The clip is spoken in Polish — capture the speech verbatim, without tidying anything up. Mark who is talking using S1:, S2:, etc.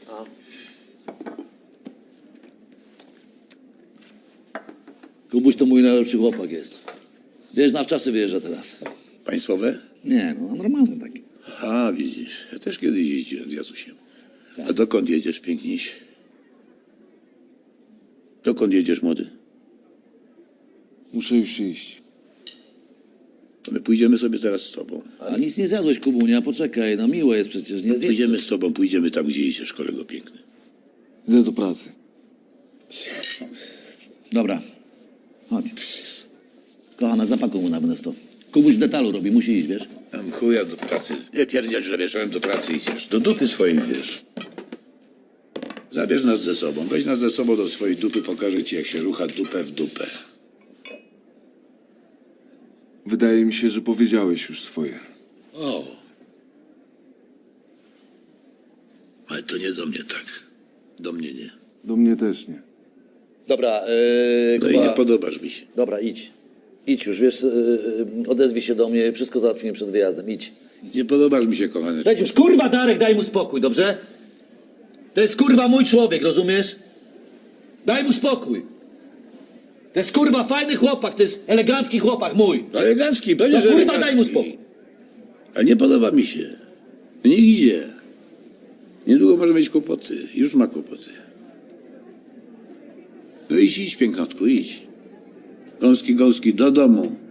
S1: Kubuś to mój najlepszy chłopak jest. Wiesz, na wczasy wyjeżdża teraz.
S2: Państwowe?
S1: Nie, no normalny taki.
S2: A, widzisz, ja też kiedyś jeździłem z Jacusiem. A dokąd jedziesz, piękniś? Dokąd jedziesz, młody?
S3: Muszę już iść.
S2: To my pójdziemy sobie teraz z tobą.
S1: A nic nie zjadłeś, Kubunia, poczekaj, no miło jest przecież, nie zjedz.
S2: Pójdziemy z tobą, pójdziemy tam, gdzie idziesz, kolego piękny.
S3: Idę do pracy.
S1: Dobra, chodź. Kochana, zapakuj mu na to. Kubuś detalu robi, musi iść, wiesz?
S2: Tam chuja do pracy. Nie pierdziel, że wieczorem do pracy idziesz. Do dupy swojej idziesz. Zabierz nas ze sobą. Weź nas ze sobą do swojej dupy, pokażę ci, jak się rucha dupę w dupę.
S3: Wydaje mi się, że powiedziałeś już swoje.
S2: O. Ale to nie do mnie tak. Do mnie nie.
S3: Do mnie też nie.
S4: Dobra, yy,
S2: No i
S4: Kuba,
S2: nie podobasz mi się.
S4: dobra, idź. Idź już, wiesz, yy, odezwij się do mnie, wszystko załatwimy przed wyjazdem, idź.
S2: Nie podobasz mi się, kochany.
S4: Weź już, kurwa, Darek, daj mu spokój, dobrze? To jest, kurwa, mój człowiek, rozumiesz? Daj mu spokój. To jest, kurwa, fajny chłopak, to jest elegancki chłopak mój.
S2: Elegancki, pewnie,
S4: No,
S2: że
S4: kurwa,
S2: elegancki.
S4: daj mu spokój.
S2: Ale nie podoba mi się. Niech idzie. Niedługo może mieć kłopoty. Już ma kłopoty. No idź, idź, pięknotku, idź. Gąski, gąski, do domu.